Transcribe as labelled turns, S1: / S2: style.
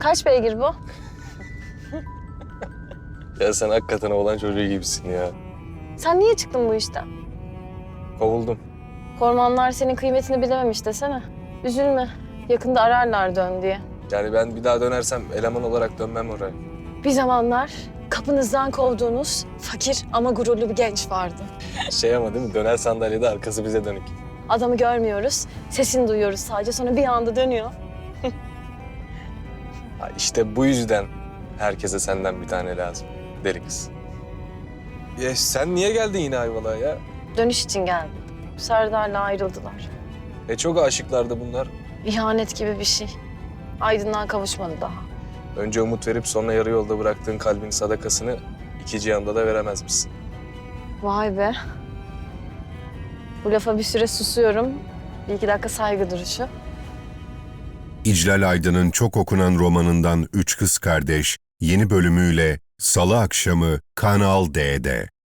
S1: Kaç beygir bu?
S2: Ya sen hakikaten oğlan çocuğu gibisin ya.
S1: Sen niye çıktın bu işten?
S2: Kovuldum.
S1: Kormanlar senin kıymetini bilememiş desene. Üzülme. Yakında ararlar dön diye.
S2: Yani ben bir daha dönersem eleman olarak dönmem oraya.
S1: Bir zamanlar kapınızdan kovduğunuz fakir ama gururlu bir genç vardı.
S2: Şey ama değil mi? Döner sandalyede arkası bize dönük.
S1: Adamı görmüyoruz, sesini duyuyoruz sadece, sonra bir anda dönüyor.
S2: Ha işte bu yüzden herkese senden bir tane lazım. Deli kız. Ya sen niye geldin yine Ayvalık'a ya?
S1: Dönüş için geldim. Serdar'la ayrıldılar.
S2: Çok aşıklardı bunlar.
S1: İhanet gibi bir şey. Aydın'dan kavuşmadı daha.
S2: Önce umut verip sonra yarı yolda bıraktığın kalbin sadakasını iki cihanda da veremez misin?
S1: Vay be. Bu lafa bir süre susuyorum. Bir iki dakika saygı duruşu.
S3: İclal Aydın'ın çok okunan romanından Üç Kız Kardeş yeni bölümüyle Salı akşamı Kanal D'de.